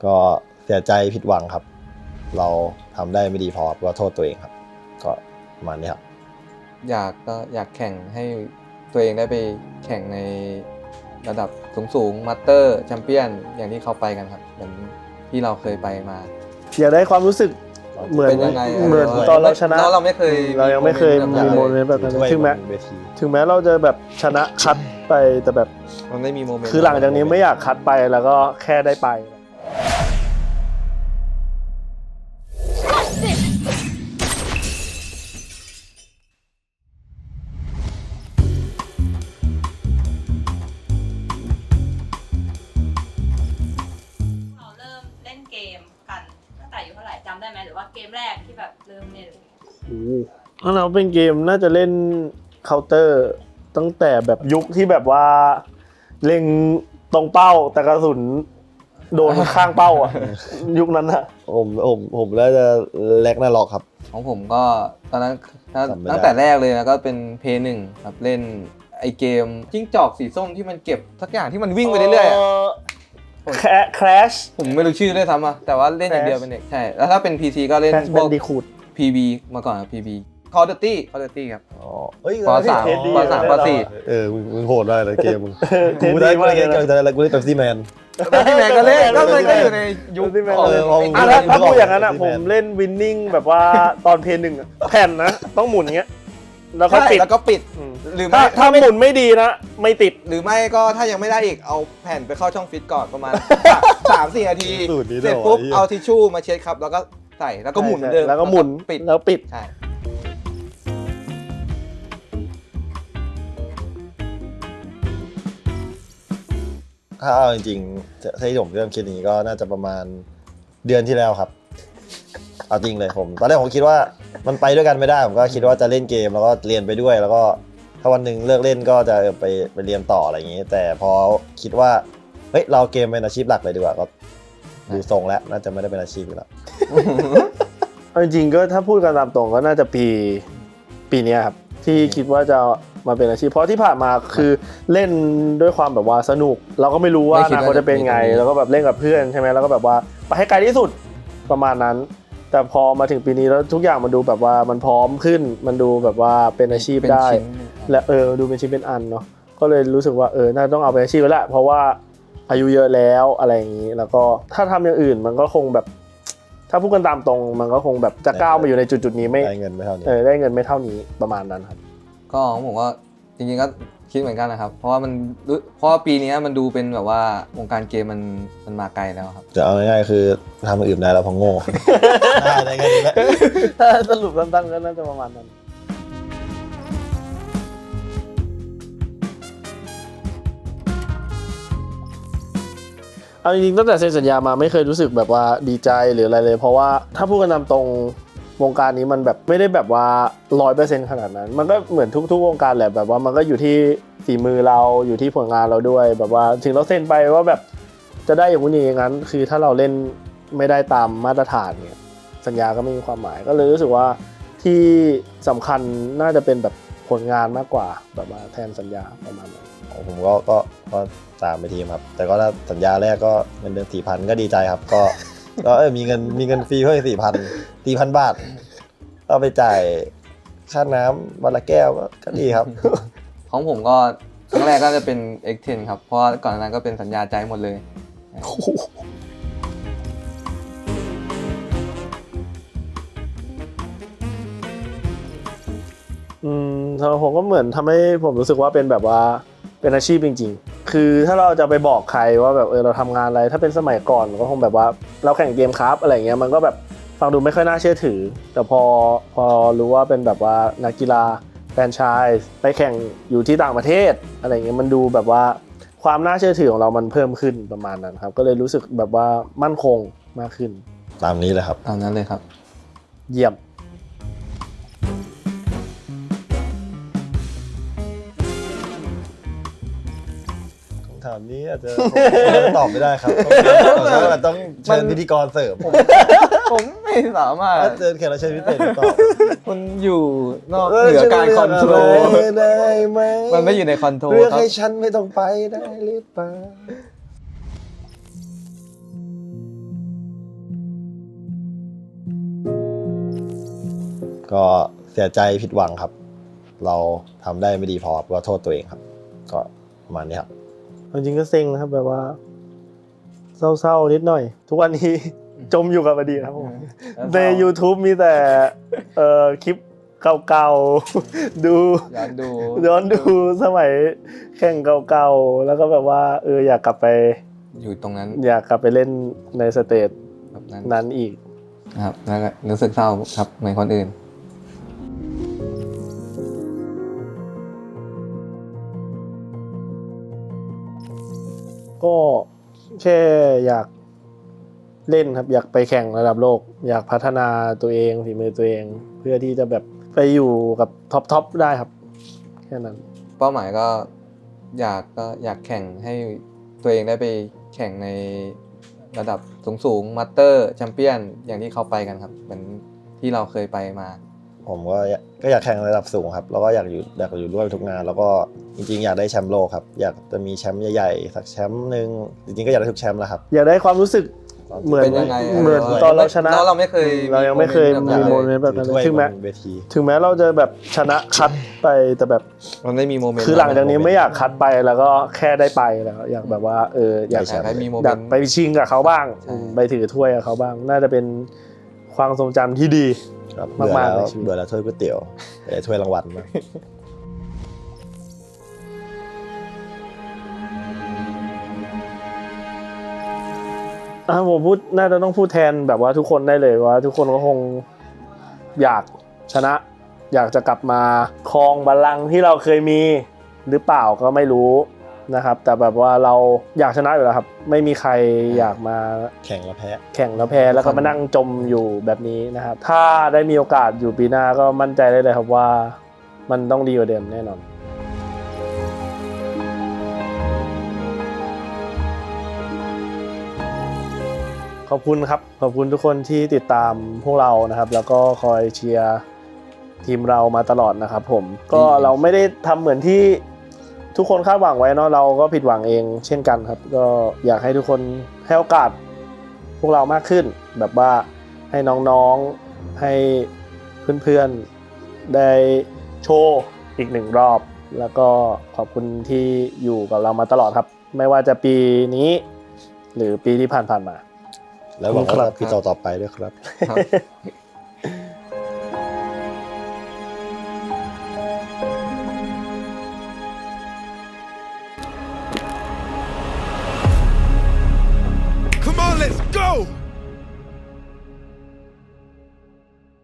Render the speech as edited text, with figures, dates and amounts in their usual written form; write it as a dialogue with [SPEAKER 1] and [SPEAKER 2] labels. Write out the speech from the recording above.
[SPEAKER 1] ก็เสียใจผิดหวังครับเราทำได้ไม่ดีพอก็โทษตัวเองครับก็ประมาณนี้ครับ
[SPEAKER 2] อยากแข่งให้ตัวเองได้ไปแข่งในระดับสูงมาสเตอร์แชมเปี้ยนอย่างที่เขาไปกันครับเหมือนที่เราเคยไปมา
[SPEAKER 3] อยากได้ความรู้สึกเหมือนตอนเราชนะ
[SPEAKER 2] เราไม่เคย
[SPEAKER 3] เรายังไม่เคยมีโมเมนต์แบบนั้นถึงแม้เราจะแบบชนะคัดไปแต่แบบ
[SPEAKER 2] มันไม่มีโมเมนต์
[SPEAKER 3] คือหลังจากนี้ไม่อยากคัดไปแล้วก็แค่ได้ไป
[SPEAKER 4] เราเริ่มเล่นเกมกันตั้งแต่อายุเท่าไหร่จำได้ไหมหรือว่าเกมแรกที่แบบเริ่มเล่น
[SPEAKER 3] ถ้าเราเป็นเกมน่าจะเล่นเคาน์เตอร์ตั้งแต่แบบยุคที่แบบว่าเล็งตรงเป้าแต่กระสุนโดนข้างเป้าอ่ะยุคนั้นอะ
[SPEAKER 1] ผมแล้วจะแลกหน้าล็อกครับ
[SPEAKER 2] ของผมก็ตอนนั้นตั้งแต่แรกเลยนะก็เป็นเพย์หนึ่งครับเล่นไอเกมจิ้งจอกสีส้มที่มันเก็บทักอย่างที่มันวิ่งไปเรื่อย
[SPEAKER 3] ๆCrash
[SPEAKER 2] ผมไม่รู้ชื่อด้วยซ้ำอ่ะแต่ว่าเล่นอย่างเดียวเป็นเด็กใช่แล้วถ้าเป็น PC ก็เล่นพวก PB มาก่อนครับ PB Call of Duty ครับป.3 ป.4
[SPEAKER 1] มึงโหดได้เลยเกมมึงกูได้กูเล่นPepsi Man
[SPEAKER 2] พี่แมนก็เล่นก็อยู่ในยุคของ
[SPEAKER 3] ถ้าพูดอย่างนั้นอ่ะผมเล่นวินนิ่งแบบว่าตอนเพย์หนึ่งแผ่นนะต้องหมุนอย่างเงี้ยแล้วก็
[SPEAKER 2] ปิด
[SPEAKER 3] หรือถ้าหมุนไม่ดีนะไม่ติด
[SPEAKER 2] หรือไม่ก็ถ้ายังไม่ได้อีกเอาแผ่นไปเข้าช่องฟิตก่อนประมาณ 3-4 นาทีเสร็จปุ๊บเอาทิชชู่มาเช็ดครับแล้วก็ใส่แล้วก็หมุนเดิม
[SPEAKER 3] แล้วก็หมุนปิด
[SPEAKER 2] ใช่
[SPEAKER 1] ถ้าเอาจริงๆที่ผมเริ่มคิดนี้ก็น่าจะประมาณเดือนที่แล้วครับเอาจริงเลยผมตอนแรกผมคิดว่ามันไปด้วยกันไม่ได้ผมก็คิดว่าจะเล่นเกมแล้วก็เรียนไปด้วยแล้วก็ถ้าวันหนึ่งเลิกเล่นก็จะไปเรียนต่ออะไรอย่างนี้แต่พอคิดว่าเฮ้ยเราเกมเป็นอาชีพหลักเลยดีกว่าก็ดูทรงแล้วน่าจะไม่ได้เป็นอาชีพแล้ว
[SPEAKER 3] จริงๆก็ถ้าพูดกันตามตรงก็น่าจะปีนี้ครับที่คิดว่าจะมาเป็นอาชีพเพราะที่ผ่านมาคือเล่นด้วยความแบบว่าสนุกเราก็ไม่รู้ว่าอนาคตจะเป็นไงแล้วก็แบบเล่นกับเพื่อนใช่ไหมแล้วก็แบบว่าไปให้ไกลที่สุดประมาณนั้นแต่พอมาถึงปีนี้แล้วทุกอย่างมันดูแบบว่ามันพร้อมขึ้นมันดูแบบว่าเป็นอาชีพได้และดูเป็นชิ้นเป็นอันเนาะก็เลยรู้สึกว่าน่าต้องเอาเป็นอาชีพแล้วแหละเพราะว่าอายุเยอะแล้วอะไรอย่างนี้แล้วก็ถ้าทำอย่างอื่นมันก็คงแบบถ้าพูดกันตามตรงมันก็คงแบบจะก้าวมาอยู่ในจุดนี้ไม่
[SPEAKER 1] ได้เงินไม่เท่านี้
[SPEAKER 3] ได้เงินไม่เท่านี้ประมาณนั้นครับ
[SPEAKER 2] ก็ผมก็จริงๆก็คิดเหมือนกันนะครับเพราะว่าปีนี้มันดูเป็นแบบว่าวงการเกมมันมาไกลแล้วครับ
[SPEAKER 1] จะเอาง่ายๆคือทำอื่นได้แล้วพอโง่ได้ไงนี่แหละ
[SPEAKER 3] ถ้าสรุปสั้นๆก็น่าจะประมาณนั้นเอาจริงๆตั้งแต่เซ็นสัญญามาไม่เคยรู้สึกแบบว่าดีใจหรืออะไรเลยเพราะว่าถ้าพูดกันตามตรงวงการนี้มันแบบไม่ได้แบบว่า 100% ขนาดนั้นมันก็เหมือนทุกๆวงการแหละแบบว่ามันก็อยู่ที่ฝีมือเราอยู่ที่ผลงานเราด้วยแบบว่าถึงเราเซ็นไปว่าแบบจะได้อย่างนี้อย่างนั้นคือถ้าเราเล่นไม่ได้ตามมาตรฐานเนี่ยสัญญาก็ไม่มีความหมายก็เลยรู้สึกว่าที่สำคัญน่าจะเป็นแบบผลงานมากกว่าแบบว่าแทนสัญญาประมาณนั้น
[SPEAKER 1] ผมก็ตามไปทีมครับแต่ก็ถ้าสัญญาแรกก็เงินเดือน 4,000 ก็ดีใจครับก็มีเงินฟรีเพิ่ม 4,000 บาทเอาไปจ่ายค่าน้ำวันละแก้วก็ดีครับ
[SPEAKER 2] ของผมก็ครั้งแรกก็จะเป็น X10 ครับเพราะก่อนหน้านั้นก็เป็นสัญญาใจหมดเลย
[SPEAKER 3] สำหรับผมก็เหมือนทำให้ผมรู้สึกว่าเป็นแบบว่าเป็นอาชีพจริงๆคือถ้าเราจะไปบอกใครว่าแบบเราทำงานอะไรถ้าเป็นสมัยก่อนก็คงแบบว่าเราแข่งเกมครับอะไรเงี้ยมันก็แบบฟังดูไม่ค่อยน่าเชื่อถือแต่พอรู้ว่าเป็นแบบว่านักกีฬาแฟรนไชส์ไปแข่งอยู่ที่ต่างประเทศอะไรเงี้ยมันดูแบบว่าความน่าเชื่อถือของเรามันเพิ่มขึ้นประมาณนั้นครับก็เลยรู้สึกแบบว่ามั่นคงมากขึ้น
[SPEAKER 1] ตามนี้เลยครับ
[SPEAKER 2] ตามนั้นเลยครับ
[SPEAKER 3] เยี่ยม
[SPEAKER 1] ถามนี้อาจจะตอบไม่ได้ครับต้องเชิญพิธีกรเสริม
[SPEAKER 2] ผมไม่สามารถ
[SPEAKER 1] เชิญแขกรับเชิญพิเศษตอบ
[SPEAKER 2] มันอยู่นอกเหนือการคอนโทรล
[SPEAKER 1] ได้ไหม
[SPEAKER 2] มันไม่อยู่ในคอนโทรล
[SPEAKER 1] เรื่องให้ฉันไม่ต้องไปได้หรือเปล่าก็เสียใจผิดหวังครับ เราทำได้ไม่ดีพอก็โทษตัวเองครับ ก็ประมาณนี้ครับ
[SPEAKER 3] จริงๆก็เซ็งนะครับแบบว่า เศร้าๆนิดหน่อย ทุกวันนี้ จมอยู่กับอดีตครับผมใน YouTube มีแต่คลิปเก่าๆ ดู ย้อนดูสมัยแข่งเก่าๆ แล้วก็แบบว่าอยากกลับไป
[SPEAKER 2] อยู่ตรงนั้น
[SPEAKER 3] อยากกลับไปเล่นในสเตจ
[SPEAKER 2] แบบนั้น
[SPEAKER 3] นั้นอีก
[SPEAKER 2] นะครับแล้วก็รู้สึกเศร้าครับเหมือนคนอื่น
[SPEAKER 3] ก็แค่อยากเล่นครับ อยากไปแข่งระดับโลก อยากพัฒนาตัวเองฝีมือตัวเอง เพื่อที่จะแบบไปอยู่กับท็อปได้ครับ แค่นั้น
[SPEAKER 2] เป้าหมายก็อยากแข่งให้ตัวเองได้ไปแข่งในระดับสูงมาสเตอร์แชมเปี้ยนอย่างที่เขาไปกันครับเหมือนที่เราเคยไปมา
[SPEAKER 1] ผมก็อยากแข่งระดับสูงครับแล้วก็อยากอยู่ด้วยทุกงาน แล้วก็จริงๆอยากได้แชมป์โลกครับอยากจะมีแชมป์ใหญ่ๆสักแชมป์หนึ่งจริงๆก็อยากได้ทุกแชมป์แหละครับ
[SPEAKER 3] อยากได้ความรู้สึกเหมือน
[SPEAKER 2] เป็นยังไง
[SPEAKER 3] เหมือนตอนเราชนะ
[SPEAKER 2] เราไม่เคย
[SPEAKER 3] เรายังไม่เคย
[SPEAKER 2] แบบนั้
[SPEAKER 3] มี
[SPEAKER 2] น
[SPEAKER 3] โม
[SPEAKER 2] เลย
[SPEAKER 3] เมนต์แบบนั้น
[SPEAKER 1] ถือถ้วย
[SPEAKER 3] ถึงแม้
[SPEAKER 1] บนเวที
[SPEAKER 3] ถึงแม้เราจะแบบชนะคัดไปแต่แบบ
[SPEAKER 2] เราได้มีโมเมนต์
[SPEAKER 3] คือหลังจากนี้ไม่อยากคัดไปแล้วก็แค่ได้ไปแล้วอยากแบบว่าอยาก
[SPEAKER 2] อยากให้มีโมเม
[SPEAKER 3] อยาก
[SPEAKER 2] นต์
[SPEAKER 3] ไปชิงกับเขาบ้าง
[SPEAKER 2] ใช่
[SPEAKER 3] ไปถือถ้วยกับเขาบ้าง น่าจะเป็นความทรงจำที่ดี
[SPEAKER 1] ครับ
[SPEAKER 3] มากๆ
[SPEAKER 1] เบื่อแล้ว
[SPEAKER 3] ในชีวิต
[SPEAKER 1] เบื่อแล้วถ้วยก๋วยเตี๋ยวแต่ถ้วยรางวัลมาก
[SPEAKER 3] ผมพูดน่าจะต้องพูดแทนแบบว่าทุกคนได้เลยว่า ทุกคนก็คงอยากชนะ อยากจะกลับมาครองบัลลังก์ที่เราเคยมีหรือเปล่าก็ไม่รู้นะครับ แต่แบบว่าเราอยากชนะอยู่แล้วครับ ไม่มีใครอยากมา
[SPEAKER 1] แข่งแล้วแพ้
[SPEAKER 3] แข่งแล้วแพ้แล้วก็มานั่งจมอยู่แบบนี้นะครับ ถ้าได้มีโอกาสอยู่ปีหน้าก็มั่นใจได้เลยครับว่ามันต้องดีกว่าเดิมแน่นอน ขอบคุณครับ ขอบคุณทุกคนที่ติดตามพวกเรานะครับ แล้วก็คอยเชียร์ทีมเรามาตลอดนะครับผมก็เราไม่ได้ทำเหมือนที่ทุกคนคาดหวังไว้เนาะเราก็ผิดหวังเองเช่นกันครับ ก็อยากให้ทุกคนให้โอกาสพวกเรามากขึ้น แบบว่าให้น้องๆให้เพื่อนๆได้โชว์อีกหนึ่งรอบ แล้วก็ขอบคุณที่อยู่กับเรามาตลอดครับ ไม่ว่าจะปีนี้ หรือปีที่ผ่านมา
[SPEAKER 1] แล้วหวัง
[SPEAKER 3] ครั
[SPEAKER 1] ว่า
[SPEAKER 3] บ
[SPEAKER 1] ปีต่อๆไปด้วยครับ
[SPEAKER 2] ครับ
[SPEAKER 5] Come on, let's go!